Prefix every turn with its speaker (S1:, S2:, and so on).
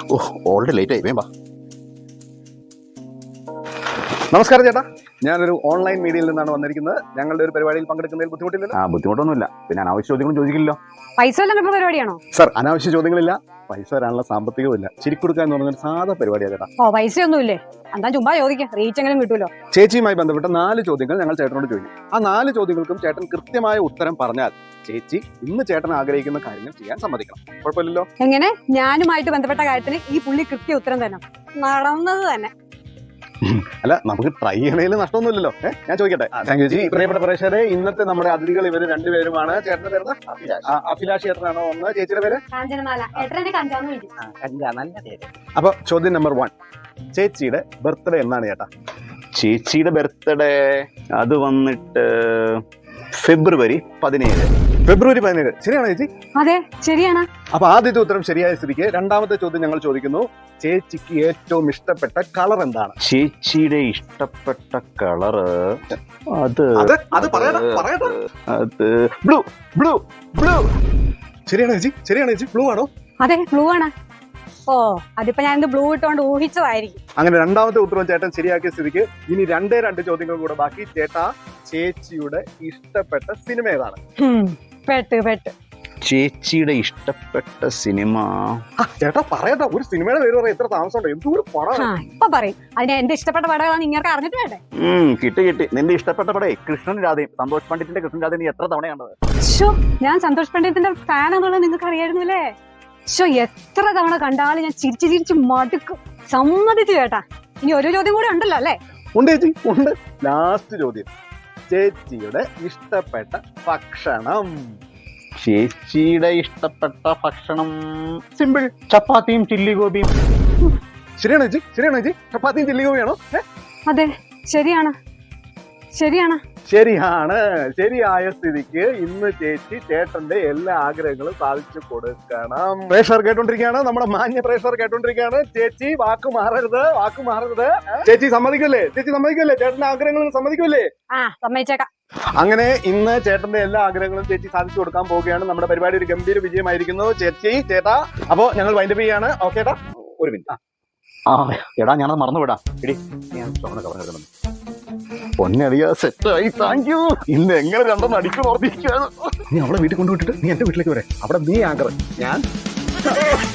S1: ഓ already late ആയി വേമ്പാ. നമസ്കാരം ചേട്ടാ, ഞാനൊരു ഓൺലൈൻ മീഡിയയിൽ നിന്നാണ് വന്നിരിക്കുന്നത്. ഞങ്ങളുടെ ഒരു പരിപാടിയിൽ പങ്കെടുക്കുന്നതിൽ ബുദ്ധിമുട്ടില്ലല്ലോ?
S2: ബുദ്ധിമുട്ടൊന്നുമില്ല. പിന്നെ അനാവശ്യ ചോദ്യങ്ങളും ചോദിക്കില്ലല്ലോ.
S3: പൈസ വല്ലതും കിട്ടുന്ന പരിപാടിയാണോ?
S1: സർ, അനാവശ്യ ചോദ്യങ്ങളില്ല, പൈസ വരാനുള്ള സാമ്പത്തികവും ഇല്ല. ചിരിക്കൊടുക്കുക എന്ന് പറഞ്ഞൊരു സാധാ പരിപാടിയാണ് ചേട്ടാ.
S3: ഓ, പൈസയൊന്നുമില്ലേ? എന്താ ചുമ്മാ ചോദിക്കാം, റീച്ച് എങ്കിലും കിട്ടുമല്ലോ.
S1: ചേച്ചിയുമായി ബന്ധപ്പെട്ട 4 ചോദ്യങ്ങൾ ഞങ്ങൾ ചേട്ടനോട് ചോദിക്കും. ആ 4 ചോദ്യങ്ങൾക്കും ചേട്ടൻ കൃത്യമായ ഉത്തരം പറഞ്ഞാൽ ചേച്ചി ഇന്ന് ചേട്ടൻ ആഗ്രഹിക്കുന്ന കാര്യങ്ങൾ ചെയ്യാൻ സമ്മതിക്കണം. കുഴപ്പമില്ലല്ലോ?
S3: എങ്ങനെ? ഞാനുമായിട്ട് ബന്ധപ്പെട്ട കാര്യത്തിന് ഈ പുള്ളി കൃത്യ ഉത്തരം തന്നെ നടന്നത് തന്നെ.
S1: അല്ല, നമുക്ക് ട്രൈ ചെയ്യണേൽ നഷ്ടമൊന്നുമില്ലല്ലോ. ഞാൻ ചോദിക്കട്ടെ? Thank you ji. പ്രിയപ്പെട്ട പ്രേക്ഷകരെ, ഇന്നത്തെ നമ്മുടെ അതിഥികൾ ഇവർ രണ്ടുപേരുമാണ്. ചേട്ടന്റെ പേര് അഭിലാഷ് ചേട്ടനാണോ ഒന്ന്? ചേച്ചിയുടെ പേര് അപ്പൊ ചോദ്യം നമ്പർ 1, ചേച്ചിയുടെ ബർത്ത്ഡേ എന്നാണ് ചേട്ടാ?
S2: ചേച്ചിയുടെ ബർത്ത്ഡേ അത് വന്നിട്ട് ഫെബ്രുവരി 17.
S1: ഫെബ്രുവരി 17. ശരിയാണോ ചേച്ചി?
S3: അതെ, ശരിയാണ്.
S1: അപ്പൊ ആദ്യത്തെ ഉത്തരം ശരിയായ സ്ഥിതിക്ക് രണ്ടാമത്തെ ചോദ്യം ഞങ്ങൾ ചോദിക്കുന്നു. ചേച്ചിക്ക് ഏറ്റവും ഇഷ്ടപ്പെട്ട കളർ എന്താണ്?
S2: ചേച്ചിയുടെ ഇഷ്ടപ്പെട്ട കളറ് അത് ബ്ലൂ. ബ്ലൂ ബ്ലൂ
S1: ശരിയാണോ ചേച്ചി? ശരിയാണോ ചേച്ചി? ബ്ലൂ ആണോ?
S3: അതെ, ബ്ലൂ ആണ്. ഓ, അതിപ്പോ ഞാൻ ബ്ലൂ ഇട്ടുകൊണ്ട് ഊഹിച്ചതായിരിക്കും.
S1: അങ്ങനെ രണ്ടാമത്തെ ഉത്തരവും ചേട്ടൻ ശരിയാക്കിയ സ്ഥിതിക്ക് ഇനി 2 ചോദ്യങ്ങൾ കൂടെ ബാക്കി. ചേട്ടാ, ചേച്ചിയുടെ ഇഷ്ടപ്പെട്ട സിനിമ ഏതാണ്?
S3: പെട്ട്
S2: ചേച്ചിയുടെ ഇഷ്ടപ്പെട്ട സിനിമ
S1: ചേട്ടാ പറയട്ടോ, ഒരു സിനിമയുടെ പേര് പറയാം. എത്ര താമസമുണ്ടോ? എന്തൊരു പടമാണ്.
S3: ഇപ്പൊ പറയും. അതിന് എന്റെ ഇഷ്ടപ്പെട്ട പടങ്ങളാണ് നിങ്ങൾക്ക് അറിഞ്ഞിട്ട് വേണ്ടേ?
S2: കിട്ടി. നിന്റെ ഇഷ്ടപ്പെട്ട പടേ കൃഷ്ണൻ രാധയും. സന്തോഷ് പണ്ഡിറ്റിന്റെ കൃഷ്ണൻ രാധ നീ എത്ര തവണയാണത്?
S3: ഞാൻ സന്തോഷ് പണ്ഡിറ്റിന്റെ ഫാൻ എന്നുള്ളത് നിങ്ങൾക്ക് അറിയായിരുന്നില്ലേ? എത്ര തവണ കണ്ടാലും ഞാൻ ചിരിച്ച് മടുക്കും. സമ്മതിച്ചു ചേട്ടാ. ഇനി ഒരു ചോദ്യം കൂടെ ഉണ്ടല്ലോ അല്ലേ?
S1: ഉണ്ട് ചേച്ചി, ഉണ്ട്. ലാസ്റ്റ് ചോദ്യം, ചേച്ചിയുടെ ഇഷ്ടപ്പെട്ട ഭക്ഷണം?
S2: ചേച്ചിയുടെ ഇഷ്ടപ്പെട്ട ഭക്ഷണം സിമ്പിൾ, ചപ്പാത്തിയും ചില്ലി ഗോപിയും.
S1: ശരിയാണോ ചേച്ചി? ശരിയാണോ ചേച്ചി? ചപ്പാത്തിയും ചില്ലി ഗോപിയാണോ?
S3: അതെ, ശരിയാണ്.
S1: ശരിയായ സ്ഥിതിക്ക് ഇന്ന് ചേച്ചി ചേട്ടന്റെ എല്ലാ ആഗ്രഹങ്ങളും സാധിച്ചു കൊടുക്കണം. പ്രേക്ഷകർ കേട്ടോണ്ടിരിക്കുകയാണ്, നമ്മുടെ മാന്യ പ്രേക്ഷകർ കേട്ടോണ്ടിരിക്കുകയാണ്. ചേച്ചി വാക്ക് മാറരുത്. ചേച്ചി സമ്മതിക്കല്ലേ? ചേട്ടന്റെ ആഗ്രഹങ്ങളും സമ്മതിക്കല്ലേ?
S3: സമ്മതിച്ചേക്കാം.
S1: അങ്ങനെ ഇന്ന് ചേട്ടന്റെ എല്ലാ ആഗ്രഹങ്ങളും ചേച്ചി സാധിച്ചു കൊടുക്കാൻ പോവുകയാണ്. നമ്മുടെ പരിപാടി ഒരു ഗംഭീര വിജയമായിരിക്കുന്നു. ചേട്ടാ, അപ്പോ ഞങ്ങൾ വൈൻഡപ്പ് ചെയ്യാണ്. ഓക്കെ ഏട്ടാ, ഒരു മിനിറ്റ്.
S2: എടാ, ഞാനത് മറന്നുവിടാം. പൊന്നറിയാ, സെറ്റായി. Thank you. ഇന്ന് എങ്ങനെ രണ്ടെണ്ണം അടിക്കും ഓർത്തിരിക്കുകയാണ്.
S1: നീ അവളെ വീട്ടിൽ കൊണ്ടുവിട്ടിട്ട് നീ എന്റെ വീട്ടിലേക്ക് വരെ. അവിടെ നീ ആങ്കർ, ഞാൻ